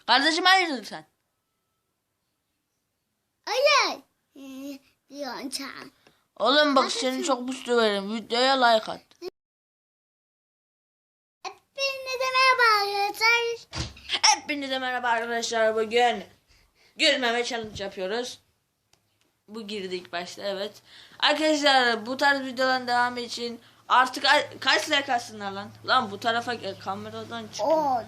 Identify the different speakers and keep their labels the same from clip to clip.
Speaker 1: Kardeşim hayırdır sen?
Speaker 2: Hayır. Diyorsun sen.
Speaker 1: Oğlum bak seni çok mutlu veririm. Videoya like at.
Speaker 2: Hepinize merhaba arkadaşlar.
Speaker 1: Hepinize merhaba arkadaşlar. Bugün gülmeme challenge yapıyoruz. Bu girdi ilk başta, evet. Arkadaşlar bu tarz videoların devamı için artık kaç like atsınlar lan? Lan bu tarafa gel, kameradan çık.
Speaker 2: 10.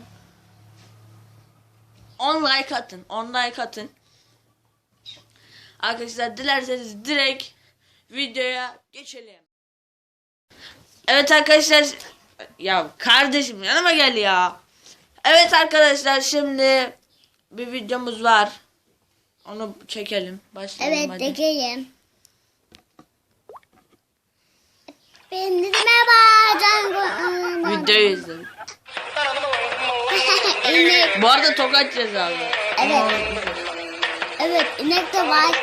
Speaker 1: 10 like atın. 10 like atın. Arkadaşlar dilerseniz direkt videoya geçelim. Evet arkadaşlar. Ya kardeşim yanıma gel ya. Evet arkadaşlar, şimdi bir videomuz var. Onu çekelim. Başlayalım
Speaker 2: Evet,
Speaker 1: hadi.
Speaker 2: çekelim. Hepinize merhaba.
Speaker 1: Videoyu izledim.
Speaker 2: İnek.
Speaker 1: Bu arada tokat cezalı.
Speaker 2: Evet. Evet, inek de var.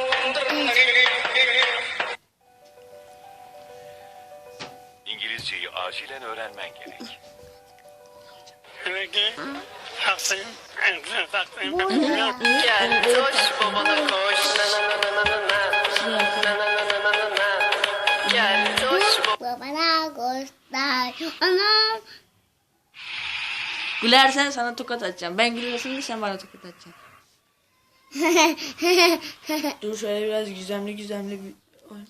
Speaker 3: İngilizceyi acilen öğrenmen gerek.
Speaker 4: Haklısın.
Speaker 2: Bu ne?
Speaker 4: Gel koş babana koş. Gel koş
Speaker 2: Bana göster. Anam.
Speaker 1: Gülersen sana tokat atacağım. Ben gülersen de sen bana tokat atacaksın. Dur şöyle biraz gizemli bir oyun.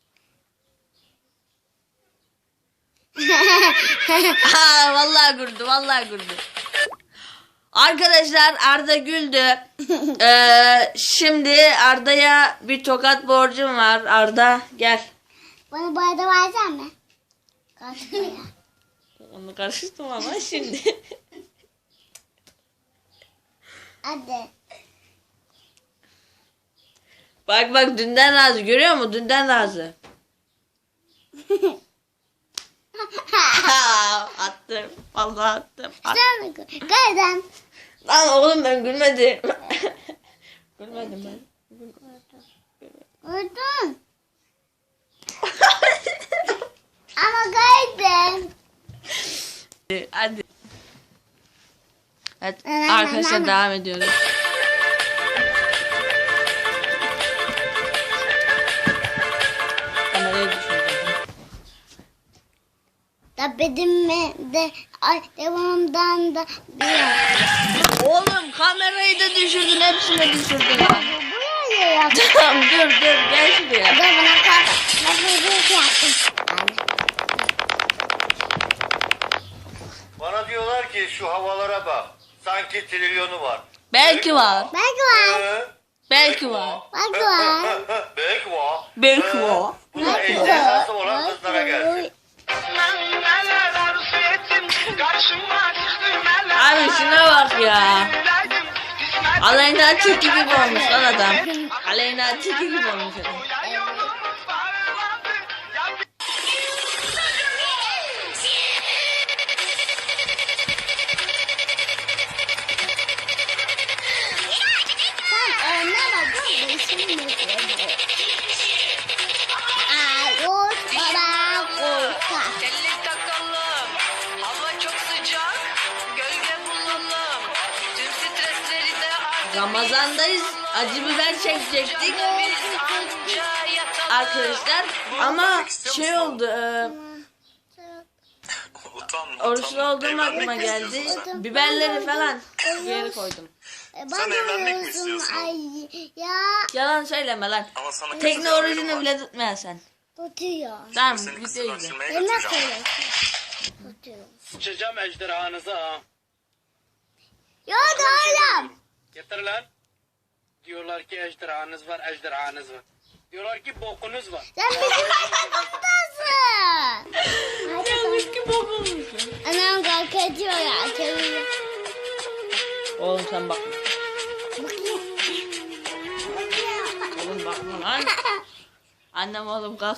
Speaker 1: Vallahi güldü. Arkadaşlar Arda güldü. Şimdi Arda'ya bir tokat borcum var. Arda gel.
Speaker 2: Bana bu arada versene mi? Kaçmaya.
Speaker 1: Onu karıştırdım ama şimdi.
Speaker 2: Hadi.
Speaker 1: Bak dünden razı, görüyor musun? Dünden razı. Attım. Vallahi attım.
Speaker 2: Sen mi? Kaydan.
Speaker 1: Lan oğlum ben gülmedim. Gülmedim ben.
Speaker 2: Vurdun. Ama kaydın.
Speaker 1: Hadi. Evet arkadaşlar devam ediyoruz. Kamerayı düşürdüm.
Speaker 2: Tabedim de ay devamdan da bir.
Speaker 1: Oğlum kamerayı da düşürdün, hepsini düşürdün lan.
Speaker 2: Bu ne ya?
Speaker 1: Tamam dur gel şuraya.
Speaker 2: Hadi bana kalk. Ben böyle yaptım.
Speaker 3: Bana diyorlar ki şu havalara bak. Sanki trilyonu var.
Speaker 1: Belki var.
Speaker 2: Belki var.
Speaker 1: Belki var.
Speaker 2: Belki var.
Speaker 3: Belki var.
Speaker 1: Belki var.
Speaker 3: Bu da ejderhası olan kızlara gelsin.
Speaker 1: Abi şuna bak ya. Aleyna Tilki gibi olmuş lan adam. Aleyna Tilki gibi olmuş adam.
Speaker 2: Sen ne bak? Bu işin mi? Koş baba koş.
Speaker 4: Telli takalım. Hava çok sıcak. Gölge bulalım. Tüm stresleri de artık
Speaker 1: Ramazandayız. Acı biber çekecektik
Speaker 4: biz anca yatalım.
Speaker 1: arkadaşlar. Ama şey oldu.
Speaker 3: Utanma.
Speaker 1: Oruçlu olduğum aklıma geldi. Biberleri falan geri koydum.
Speaker 3: Sen evlenmek mi
Speaker 2: diyorsun,
Speaker 3: istiyorsun?
Speaker 2: Ay ya
Speaker 1: Yalan söyleme lan.
Speaker 3: Ama sana
Speaker 1: Tekne
Speaker 3: kızıl haberim
Speaker 1: orucunu
Speaker 3: var.
Speaker 1: bile tutmayan sen.
Speaker 2: tutuyor.
Speaker 1: Tamam
Speaker 3: Seni
Speaker 1: videoyu izle.
Speaker 3: kısırlaştırmaya
Speaker 2: Yemek
Speaker 3: götüreceğim.
Speaker 2: koyuyorsun. Tutuyor.
Speaker 4: Sıçacağım ejderhanıza ha.
Speaker 2: Ya da oğlum.
Speaker 4: Getir lan. Diyorlar ki ejderhanız var. Diyorlar ki bokunuz var.
Speaker 2: Sen bizim kaptasın.
Speaker 1: Yanlış ki bozulmuşsun.
Speaker 2: Anam kalk ediyor ya. Çeviriyor.
Speaker 1: Oğlum sen bakma.
Speaker 2: Bakayım.
Speaker 1: Oğlum bakma lan. Annem oğlum kalk.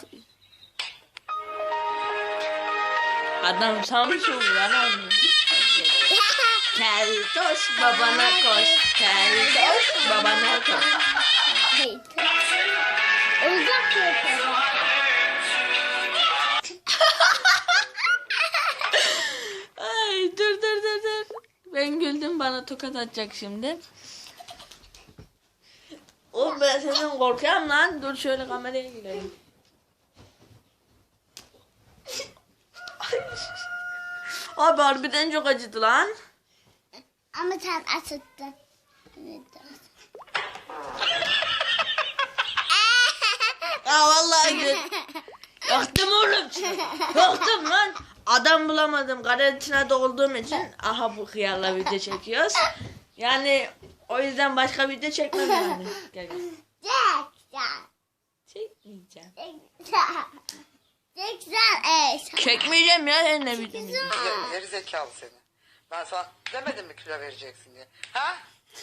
Speaker 1: Adam Samsun lan oğlum. Keltoş babana koş. Keltoş babana koş.
Speaker 2: Olacak mı?
Speaker 1: Ay dur. Ben güldüm bana tokat atacak şimdi. Oğlum ben senden korkuyorum lan. Dur şöyle kameraya girelim. Abi harbiden çok acıdı lan.
Speaker 2: Ama sen acıttın. Evet.
Speaker 1: Ya vallahi gül. Yaktım oğlum. Yaktım lan. Adam bulamadım. Karantinada olduğum için aha bu hıyarla video çekiyoruz. Yani o yüzden başka video çekmem yani. Gel gel. Çekmeyeceğim. Çekmeyeceğim ya sen ne videomu.
Speaker 5: Geri zekalı seni. Ben sana demedim mi kilo vereceksin diye. Ha?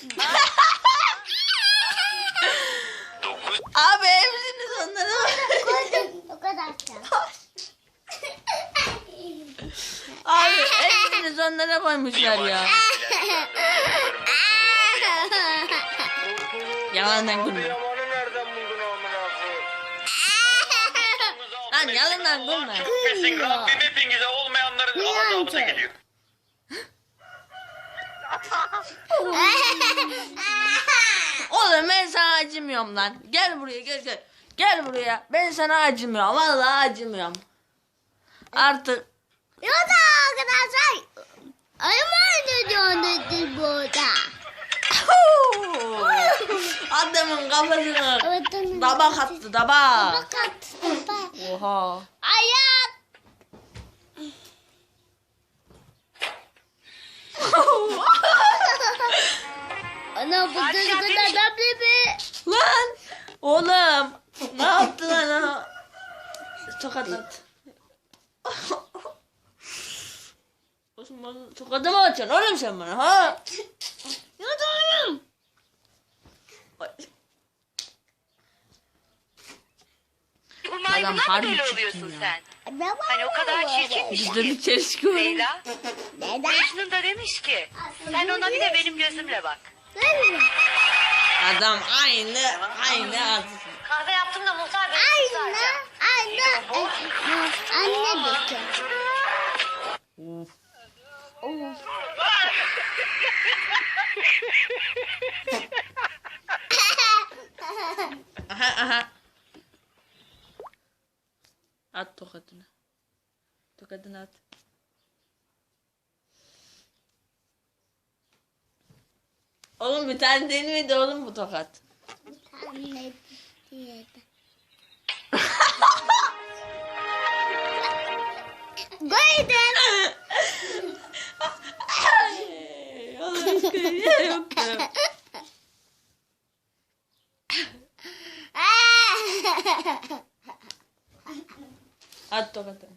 Speaker 1: Abi hepsiniz onlara.
Speaker 2: O kadar.
Speaker 1: Abi hepsiniz onlara koymuşlar ya. Yalandan gülme.
Speaker 3: Yamanı nereden buldun amına koyayım?
Speaker 1: Lan yalandan gülme.
Speaker 3: Çok kesin. Rabbim hepinize olmayanların azabına gidiyor.
Speaker 1: Oğlum ben sana acımıyorum lan. Gel buraya gel gel. Gel buraya. Ben sana acımıyorum. Vallahi acımıyorum. Artık.
Speaker 2: Ya da arkadaşlar. Ayım oynuyor burada.
Speaker 1: Adamın kafasını
Speaker 2: Evet,
Speaker 1: tabak attı tabak.
Speaker 2: Fakat
Speaker 1: Oha.
Speaker 2: ayak. Ana bu
Speaker 4: Padişah
Speaker 2: kadar
Speaker 4: demiş-
Speaker 2: adam mi?
Speaker 1: Lan oğlum ne yaptın lan ha? Tokat at. Osman tokadı mı atacaksın oğlum sen bana ha?
Speaker 2: Yudum.
Speaker 4: Bu
Speaker 1: Adam
Speaker 4: maymundan mı
Speaker 1: harbi
Speaker 4: böyle
Speaker 1: çirkin
Speaker 4: oluyorsun
Speaker 1: ya.
Speaker 4: sen? Hani o kadar çirkinmiş
Speaker 1: Bizde bir
Speaker 4: ki.
Speaker 1: çelişki var.
Speaker 4: Leyla,
Speaker 2: Neden?
Speaker 4: Mecnun da demiş ki sen ona bir de benim gözümle bak.
Speaker 1: Adam aynı ağzı.
Speaker 4: Kahve yaptım da muhtar bey.
Speaker 2: Anne bakın.
Speaker 1: Of. Aha aha. At tokadını. Tokadını at. Oğlum bir tane değil miydi oğlum bu tokat?
Speaker 2: Anne diyedi. Koydum.
Speaker 1: Ay, Allah aşkına yok ya. At tokatını.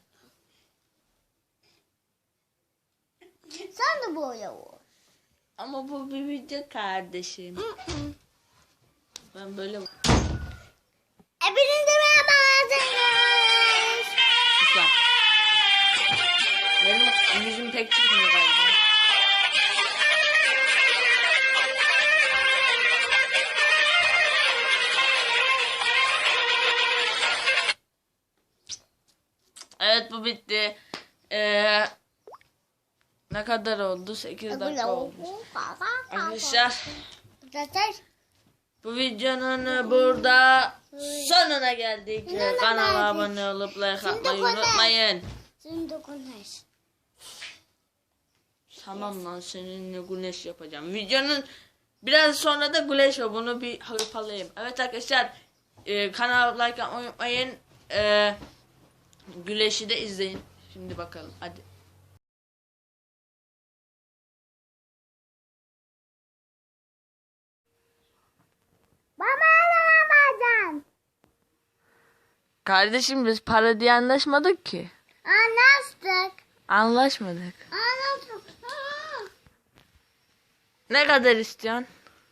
Speaker 2: Sen de böyle vur.
Speaker 1: Ama bu bir video kardeşim. Ben böyle...
Speaker 2: Hepinize merhaba arkadaşlar.
Speaker 1: Sus lan. Benim yüzüm pek çıkmıyor galiba. Evet bu bitti. Ne kadar oldu? 8 dakika oldu. Arkadaşlar bu videonun burada sonuna geldik. Kanala abone olup like atmayı unutmayın.
Speaker 2: Şimdi konuş.
Speaker 1: Tamam lan seninle güneş yapacağım. Videonun biraz sonra da güneş o. Bunu bir hırpalayayım. Evet arkadaşlar kanala like atmayı unutmayın. Güneşi de izleyin. Şimdi bakalım hadi.
Speaker 2: Baba alamayacaksın.
Speaker 1: Kardeşim biz para diye anlaşmadık ki.
Speaker 2: Anlaştık.
Speaker 1: Anlaşmadık.
Speaker 2: Anlaştık.
Speaker 1: Ne kadar istiyorsun?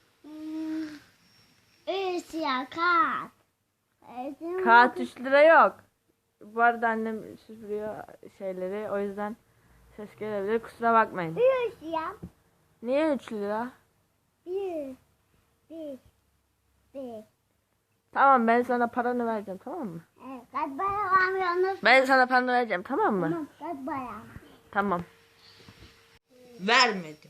Speaker 2: Siyah kağıt.
Speaker 1: Kağıt 3 lira yok. Bu arada annem süpürüyor şeyleri. O yüzden ses gelebilir. Kusura bakmayın.
Speaker 2: Bir siyah.
Speaker 1: Niye 3 lira?
Speaker 2: Bir.
Speaker 1: Tamam ben sana paranı vereceğim tamam mı?
Speaker 2: Evet, kaç para vermiyorsunuz?
Speaker 1: Ben sana paranı vereceğim tamam mı?
Speaker 2: Kaç para?
Speaker 1: Tamam. Vermedim.